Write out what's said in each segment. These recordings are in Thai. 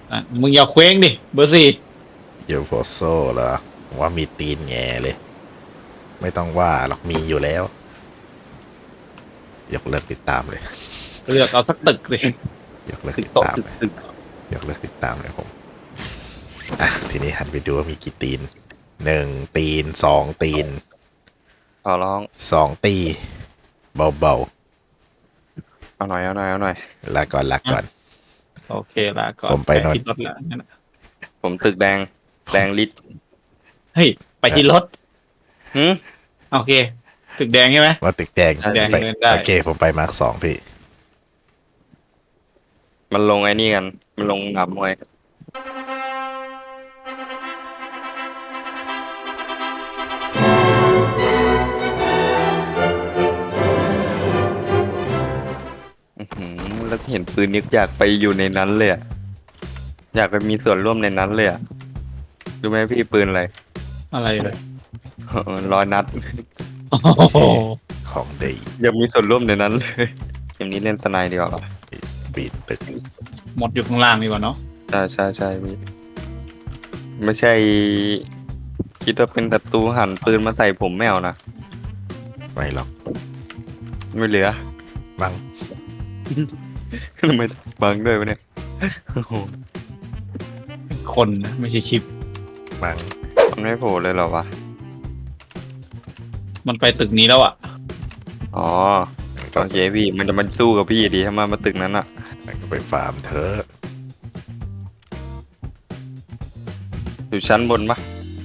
มึงอย่าเคว้งดิเบอร์สี่เดี๋ยวโพโซเหรอว่ามีตีนแง่เลย ไม่ต้องว่าหรอกมีอยู่แล้ว ยกเลิกติดตามเลยเลือกเอาสักตึกเลยยกเลิกตึกติดโตะตามตึกเลยตึกยกเลิกติดตามเลยผมอ่ะทีนี้หันไปดูว่ามีกี่ตีน1 ตีน2 ตีนขอร้อง 2 ตีเบาเอาหน่อยเอาหน่อยเอาหน่อยๆลาก่อนลาก่อนโอเคละก่อนผมไปนอนที่รถละงั้นน่ะผมตึกแดงลิตรเฮ้ยไปที่รถหืมโอเค ตึกแดงใช่ไหมว่าตึกแดงแดงไปเดินได้โอเคผมไปมาร์ค2พี่มันลงไอ้นี่กัน มันลงหนับมวยอื้อหือแล้วเห็นปืนนึกอยากไปอยู่ในนั้นเลยอะอยากไปมีส่วนร่วมในนั้นเลยอะรู้ไหมพี่ปืนอะไรอะไรเลย 100 นัดโอ้โหของดีอยากมีส่วนร่วมในนั้นเลยเกมนี้เล่นสไนด์ดีกว่าปีนตึกหมดอยู่ข้างล่างดีกว่าเนาะใช่พี่ไม่ใช่ คิดว่าเป็นศัตรูหันปืนมาใส่ผมไม่เอานะไม่หรอกไม่เหลือบังทำไมบังด้วยวะเนี่ยโอ้โหเป็นคนนะไม่ใช่ชิปบังมันไม่โผล่เลยเหรอวะมันไปตึกนี้แล้วอ่ะอ๋อมันก็โอเคพี่ มันจะมาสู้กับพี่ดีถ้ามาตึกนั้นอ่ะมันก็ไปฟาร์มเธอะอยู่ชั้นบนปะ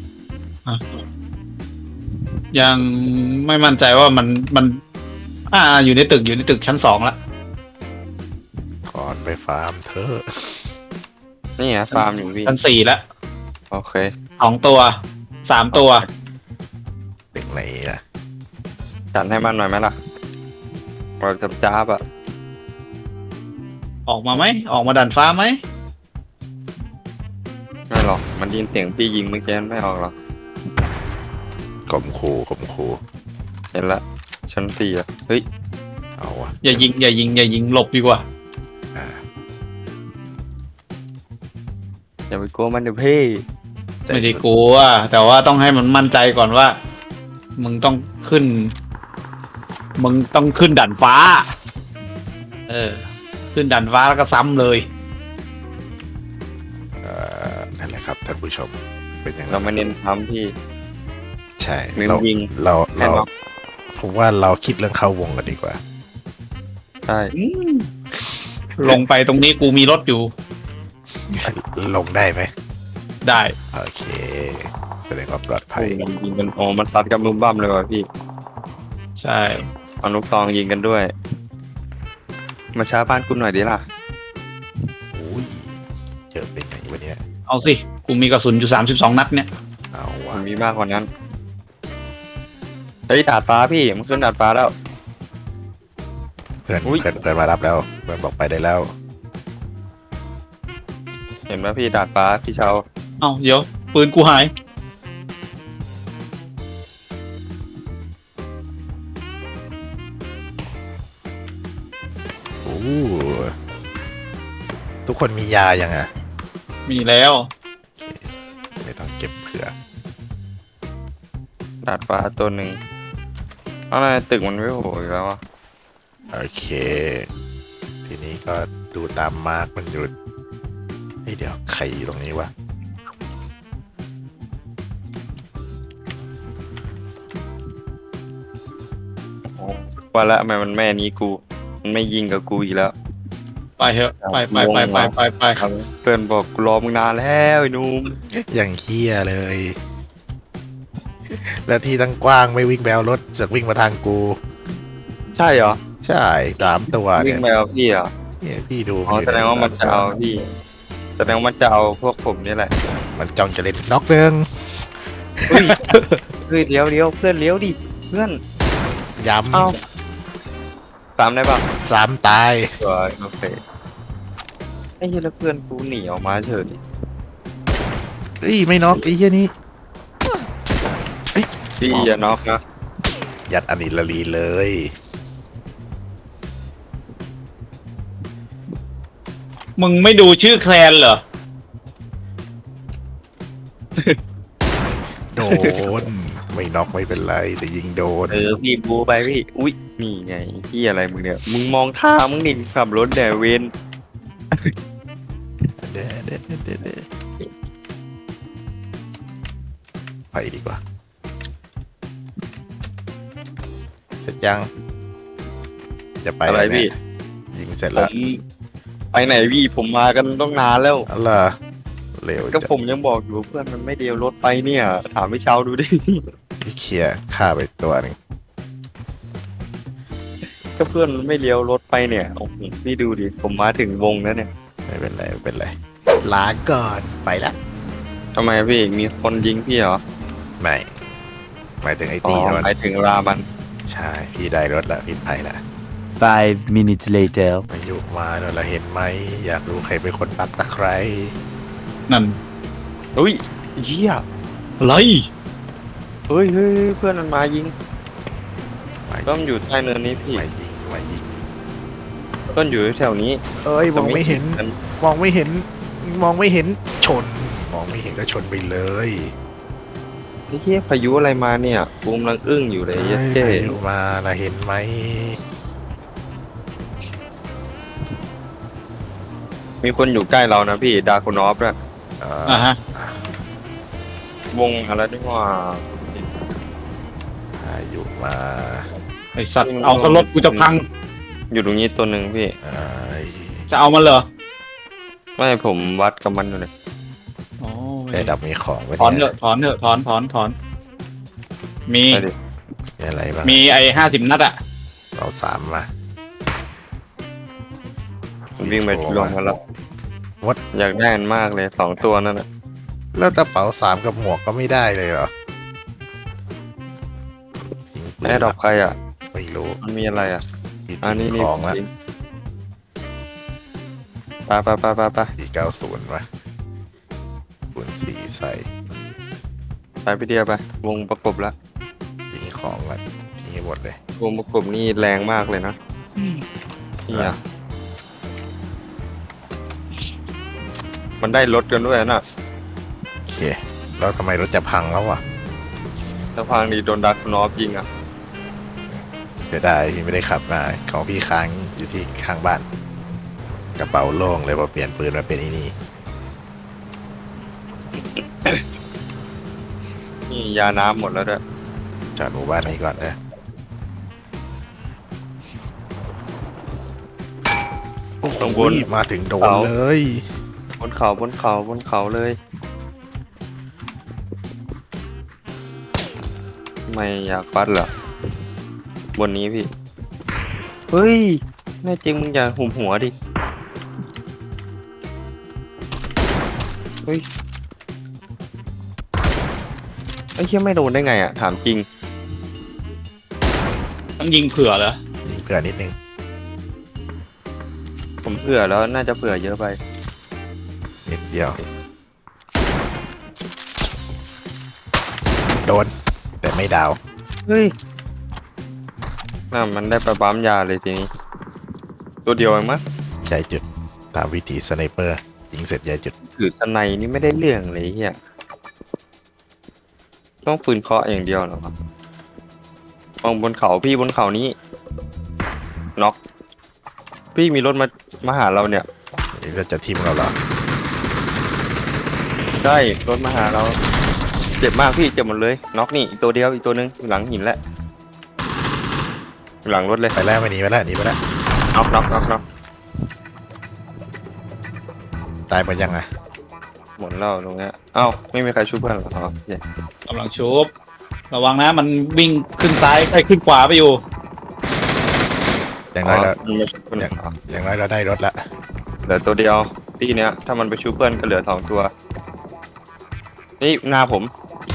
ยังไม่มั่นใจว่ามันอยู่ในตึกชั้นสองละถอนไปฟาร์มเธอะนี่ไงฟาร์มอยู่พี่ชั้นสี่ละโอเค 2 ตัว 3 ตัวตึกไหนนะจัดให้มันหน่อยไหมล่ะเราจะจ้าบอ่ะออกมาไหมออกมาดันฟ้าไหมไม่หรอก มันยินเสียงพี่ยิงเมื่อกี้ไม่ออกหรอกข่มขู่เห็นละชั้น4อ่ะ เฮ้ยเอาวะอย่ายิงหลบดีกว่าอ่าอย่าไปกลัวมันเดี๋ยวพี่ใจไม่ได้สุกลัวแต่ว่าต้องให้มันมั่นใจก่อนว่า มึงต้องขึ้นดันฟ้า ขึ้นดันฟ้าแล้วก็ซ้ำเลยนั่นแหละครับท่านผู้ชมเป็นอย่างเราไม่เน้นทำพี่ใช่เน้นเรายิงเราแน่นอนผมว่าเราคิดเรื่องเข้าวงกันดีกว่าใช่ลงไปตรงนี้กูมีรถอยู่ลงได้ไหมได้โอเค แสดงว่าปลอดภัยยิงกันโอ้มันซัดกันบุ้มบ้ามเลยว่ะพี่ใช่เอาลูกซองยิงกันด้วย มาช้าบ้านคุณหน่อยดิล่ะอุ้ยเจอเป็นไงวะเนี่ยเอาสิกูมีกระสุนอยู่32 นัดเนี่ยเอามัวะนมีมากกว่านั้นเฮ้ยดาดฟ้าพี่มันขึ้นดาดฟ้าแล้วเพื่อนอุ๊ยเพื่อนมารับแล้วเพื่อนบอกไปได้แล้วเห็นไหมพี่ดาดฟ้าพี่เชาเอาเดี๋ยวปืนกูหายโอ้ทุกคนมียายังอ่ะมีแล้วไม่ต้องเก็บเผื่อดาดฟ้าตัวหนึ่งอะไรตึกมันไม่โผล่อีกแล้วอะโอเค ทีนี้ก็ดูตามมาร์กมันหยุดเฮ้ยเดี๋ยวใครอยู่ตรงนี้วะว่าละทำไมมันแม่นี้กู มันไม่ยิงกับกูอีกแล้วไปเถอะไปเพื่อนบอกกูรอมึงนานแล้วไอ้หนุ่มอย่างเฮี้ยเลย แล้วที่ตั้งกว้างไม่วิ่งแบวรถเสือกวิ่งมาทางกูใช่เหรอใช่3 ตัววิ่เนี่งยไปเอาพี่เหรอเนี่ยพี่ดูอ๋ออยู่แสดงว่ามันจะเอาพี่ แสดงว่ามันจะเอาพวกผมนี่แหละมันจ้องจะเล่นน็อกเรื่องเฮ้ย เฮ้ยเลี้ยวเพื่อนเลี้ยวดิเพื่อนย้เอ้าตามได้ป่ะำ3 ตายโอเคไอ้เหี้ยแล้วเพื่อนกูหนีออกมาเฉยเอ้ยไม่น็อกไอ้เหี้ยนี่พี่อย่าน็อกนะยัดอนิลลีเลยมึงไม่ดูชื่อแคลนเหรอโดน ไม่น็อกไม่เป็นไร แต่ยิงโดนพี่บูไปพี่อุ้ยนี่ไงที่อะไรมึงเนี่ยมึงมองท่ามึงดิขับรถแดเวนเด้ไปดีกว่า เสร็จยัง จะไปอะไรแล้วเนี่พี่ยยิงเสร็จผแล้วมไปไหนพี่ผมมากันต้องนานแล้วอะไรเร็วก็จะผมยังบอกอยู่เพื่อนมันไม่เดียวรถไปเนี่ยถามพี่เช้าดูดิพี่เคลียร์ฆ่าไปตัวหนึ่งก็เพื่อนมันไม่เลี้ยวรถไปเนี่ยโอ้โหพี่ดูดิผมมาถึงวงแล้วเนี่ยไม่เป็นไรไม่เป็นไรลาก่อนไปละทำไมพี่มีคนยิงพี่เหรอไม่หมายถึงไอ้อ๋อตีนะมันไปถึงรามันใช่พี่ได้รถละพี่ไปละ 5 minutes later. มาอยู่มาเนอะเราเห็นไหมอยากรู้ใครเป็นคนปักตะไคร้นั่นอุ้ยเหี้ยอะไรเฮ้ยเพื่อนมันมายิงมาต้นอยู่ใต้เนินนี้พี่มายิงมายิงต้นอยู่แถวนี้เอ้ยมองไม่เห็น มองไม่เห็น มองไม่เห็นชน มองไม่เห็นก็ชนไปเลยไอ้เหี้ยพายุอะไรมาเนี่ยบูมกำลังอึ้งอยู่เลยเหี้ยเจ๊เอ้ยมาละเห็นไหมมีคนอยู่ใกล้เรานะพี่ดาร์คนอฟด้วยอ่าฮะวงอะไรด้วยว่าอยู่มาไอสัตว์เอาสลดกูจะพังอยู่ตรงนี้ตัวหนึ่งพี่เอ้ยจะเอามันเหรอไม่ผมวัดกับมันอยู่เลยอ๋อได้ดับมีของไว้ถอนเถเนี่ยอะถอนเถอะถอนมีไปดิมีอะไรบ้างมีไอ้50 นัดอะเอาสามมาผมวิ่งไปลงมาแล้ววัดอยากได้มันมากเลย2 ตัวนั่นแหละแล้วกระเป๋าสามกับหมวกก็ไม่ได้เลยเหรอทิ้งปืนแอร์ดรอปใครอ่ะไม่รู้มันมีอะไรอ่ะพี่อันนี้ทิ้งนี่ของละไป 490วะคูณ4ใส่ไปพี่เดียไปวงประกบแล้วทิ้งของละทิ้งให้หมดเลยวงประกบนี่แรงมากเลยนะเนี่ยมันได้รถกันด้วยนะโอเค แล้วทำไมรถจะพังแล้ววะถ้าพังดีโดนดักนอฟยิงอ่ะเสียดายพี่ไม่ได้ขับมาของพี่ค้างอยู่ที่ข้างบ้าน กระเป๋าโล่งเลยพอเปลี่ยนปืนมาเป็นอีนี่นี่ยาน้ำหมดแล้วด้วยจอดหมู่บ้านนี้ก่อนนะโอ้โหมาถึงโดนเลยบนเขาเลยไม่อยากปัดเหรอบนนี้พี่เฮ้ยแน่จริงมึงอย่าหุมหัวดิเฮ้ยไอ้เชี่ยไม่โดนได้ไงอ่ะถามจริงต้องยิงเผื่อเหรอยิงเผื่อนิดนึงผมเผื่อแล้วน่าจะเผื่อเยอะไปนิดเดียว โดน แต่ไม่ดาวเฮ้ยน่ามันได้ไปปั๊มยาเลยทีนี้ ตัวเดียวเองมั้งใจจุด ตามวิธีสไนเปอร์ ยิงเสร็จใจจุดถือสไนนี่ไม่ได้เรื่องเลยเฮียต้องปืนเคาะอย่างเดียวเหรอครับมองบนเขาพี่บนเขานี้น็อกพี่มีรถมาหาเราเนี่ยนี่ก็จะทิมเราเหรอใช่รถมาหาเราเจ็บมากพี่เจ็บหมดเลยน็อกนี่อีกตัวเดียวอีกตัวนึงอยู่หลังหินแล้วอยู่หลังรถเลยไปแล้วไม่หนีไปแล้วหนีไปแล้วน็อกตายไปยังไงหมดแล้วตรงเนี้ยเอ้าไม่มีใครช่วยเพื่อนเหรอครับเนี่ยกำลังชุบระวังนะมันวิ่งขึ้นซ้ายไอ้ยขึ้นขวาไปอยู่อย่างน้อยเรามันไม่ช่วยเพื่อนเหรออย่างน้อยเราได้รถละเหลือตัวเดียวตีเนี้ยถ้ามันไปชูเพื่อนก็เหลือ2 ตัวนี่หน้าผม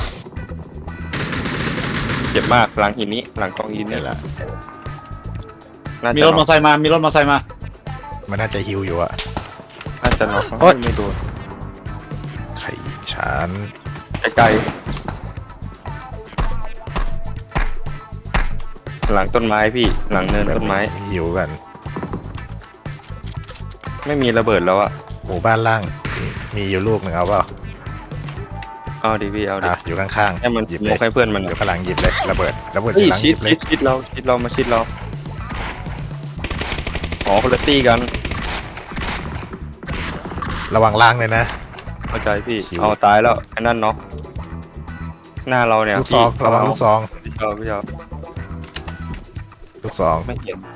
เจ็บมากหลังหินนี้หลังกองหินเนี่นี่ยแหละน่ามีจะรถมน็ออกไซค์มา มีรถมอไซค์มามันน่าจะฮิวอยู่อะน่าจะน็อกโอ๊ยไม่โดนไข่ฉันไกลๆหลังต้นไม้พี่หลังเนินต้นไม้ฮิวกันไม่มีระเบิดแล้วอะหมู่บ้านล่างมีอยู่ลูกหนึ่งเอาเปล่าเอาดิพี่เอาดิอยู่ข้างให้มันๆหยิบสเลโมยกให้เพื่อนมันออะยู่ข้างหลังหยิบเลยระเบิดอเฮ้ยยู่หลังหชิยิดบเลยชิดเรามาชิดเราอ๋อคนละตี้กันระวังล่างเลยนะเข้าใจพี่ชิวเอาตายแล้วไอ้นั่นเนาะหน้าเราเนี่ยลูกซองพี่ระวังลูกซองพี่เอาลูกซองไม่เห็น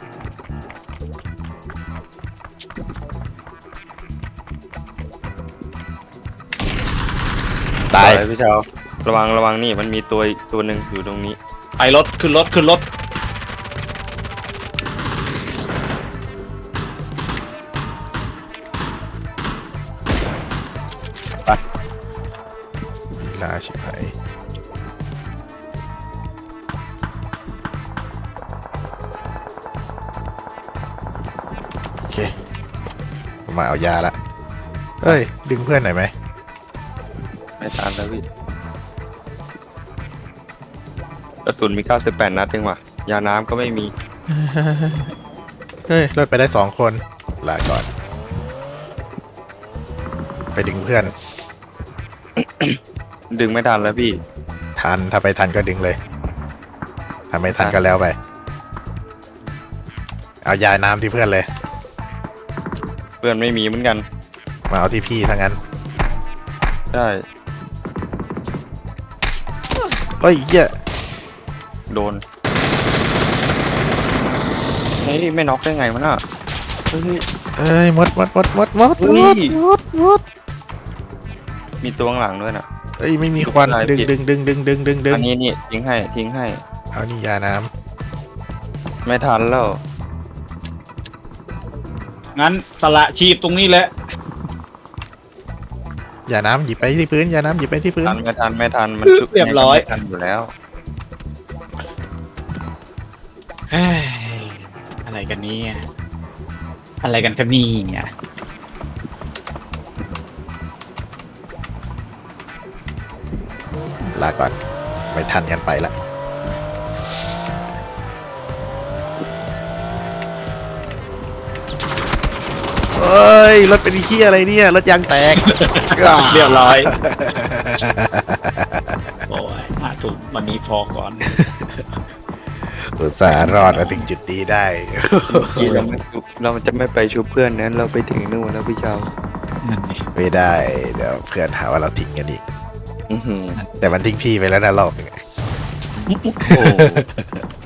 ตายพี่เจ้าระวังนี่มันมีตัวอีกตัวหนึ่งอยู่ตรงนี้ไปรถขึ้นรถลาชิบหายโอเคผมมาเอายาละเอ้ย ดึงเพื่อนหน่อยไหมไม่ทันแล้วพี่กระสุนมี98นัดเองว่ะยาน้ำก็ไม่มีเฮ้ยรถไปได้2 คนลาก่อน ไปดึงเพื่อนดึงไม่ทันแล้วพี่ทันถ้าไปทันก็ดึงเลยถ้าไม่ทันก็แล้วไป เอายาน้ำที่เพื่อนเลยเพื่อนไม่มีเหมือนกันมาเอาที่พี่ทั้งนั้นใช่เอ้ยเหี้ยโดนเฮ้ยไม่น็อกได้ไงวะน่ะเฮ้ยเอ้ยหมดเฮ้ย มีตัวข้างหลังด้วยน่ะเอ้ยไม่มีควันไม่ดึงเป็นไรดึงอันนี้นี่ทิ้งให้เอานี่ยาน้ไม่ทันแล้วงั้นสละชีพตรงนี้แหละำยาน้ำหยิบไปที่พื้นยาน้ำหยิบไปที่พื้นไม่ทันมันชุบเรียบร้อยไม่ทันอยู่แล้วเฮ้ยอะไรกันเนี่ยอะไรกันครับนี่เนี่ยลาก่อน ไม่ทันกันไปละเอ้ย รถเป็นขี้ยอะไรเนี่ย รถยางแตกเรียบร้อยโอ้ย5 ถุงวันนี้พอก่อนอุตส่าห์รอดมาถึงจุดนี้ได้ที่เราจะไม่ไปชุบเพื่อนนั้นเราไปถึงนู่นแล้วพี่เจ้านั่นนี่ไม่ได้ เดี๋ยวเพื่อนหาว่าเราทิ้งกันอีกอื้อหือแต่มันทิ้งพี่ไปแล้วนะรอบหนึงโอ้